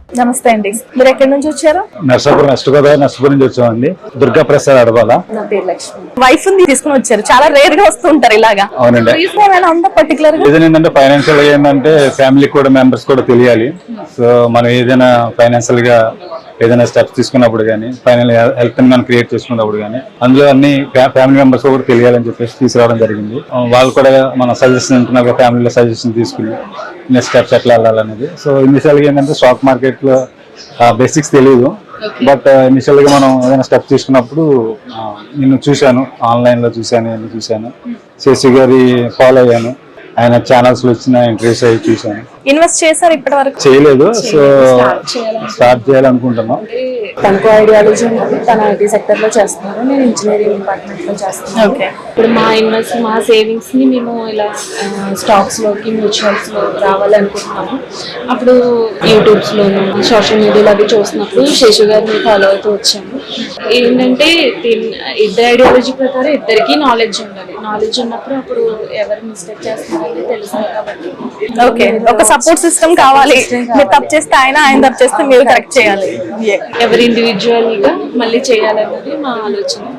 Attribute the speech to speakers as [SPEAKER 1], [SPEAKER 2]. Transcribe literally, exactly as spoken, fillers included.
[SPEAKER 1] నమస్తే అండి, మీరు ఎక్కడి నుంచి వచ్చారు?
[SPEAKER 2] నర్సాపురం వెస్ట్ గోదావరి నర్సాపురం నుంచి వచ్చామండి. దుర్గా ప్రసాద్ అడబాల.
[SPEAKER 1] నా పేరు లక్ష్మి. వైఫ్ ని తీసుకుని వచ్చారు, చాలా రేర్ గా వస్తుంటారు ఇలాగా.
[SPEAKER 2] అవునండి.
[SPEAKER 1] రీజన్ ఏమైనా ఉందా పర్టికులర్ గా?
[SPEAKER 2] రీజన్ ఏంటంటే ఫైనాన్షియల్ గా ఏంటంటే ఫ్యామిలీ కూడా మెంబర్స్ కూడా తెలియాలి. సో మనం ఏదైనా ఫైనాన్షియల్ గా ఏదైనా స్టెప్స్ తీసుకున్నప్పుడు కానీ ఫైనల్ హెల్త్ ని మనం క్రియేట్ చేసుకున్నప్పుడు కానీ అందులో అన్ని ఫ్యామిలీ మెంబర్స్ కూడా తెలియాలని చెప్పేసి తీసుకురావడం జరిగింది. వాళ్ళు కూడా మన సజెషన్ ఉంటున్నారు, ఫ్యామిలీలో సజెషన్ తీసుకుని నెక్స్ట్ స్టెప్స్ ఎట్లా వెళ్ళాలనేది. సో ఇనిషియల్ గా ఏంటంటే స్టాక్ మార్కెట్ లో బేసిక్స్ తెలియదు, బట్ ఇనిషియల్ గా మనం ఏదైనా స్టెప్ తీసుకున్నప్పుడు నేను చూశాను, ఆన్లైన్ లో చూశాను, నేను చూశాను, శశి గారి ఫాలో అయ్యాను, ఆయన ఛానల్స్ లో వచ్చిన ఇంటర్వ్యూస్ అవి చూశాను.
[SPEAKER 1] ఇన్వెస్ట్ చేశారు ఇప్పటి వరకు?
[SPEAKER 2] చేయలేదు, సో స్టార్ట్ చేయాలనుకుంటున్నాం.
[SPEAKER 3] తనకు ఐడియాలజీ ఉంది, తన ఐటీ సెక్టర్ లో చేస్తున్నారు, నేను ఇంజనీరింగ్ డిపార్ట్మెంట్ లో చేస్తున్నాను. ఇప్పుడు మా ఇన్వెస్ట్ మా సేవింగ్స్ ని మేము ఇలా స్టాక్స్ లోకి మ్యూచువల్స్ లో రావాలనుకుంటున్నాము. అప్పుడు యూట్యూబ్స్ లోను సోషల్ మీడియాలో అవి చూసినప్పుడు శశి గారిని ఫాలో అవుతూ వచ్చాము. ఏంటంటే ఇద్దరు ఐడియాలజీ ప్రకారం ఇద్దరికి నాలెడ్జ్ ఉండాలి. నాలెడ్జ్ ఉన్నప్పుడు అప్పుడు ఎవరు మిస్టేక్ చేస్తున్నారని తెలుస్తుంది కాబట్టి
[SPEAKER 1] ఓకే, ఒక సపోర్ట్ సిస్టమ్ కావాలి. మీరు తప్పు చేస్తే ఆయన, ఆయన తప్పు చేస్తే మీరు కరెక్ట్ చేయాలి.
[SPEAKER 3] ఎవరి ఇండివిజువల్ గా మళ్ళీ చేయాలన్నది మా ఆలోచన.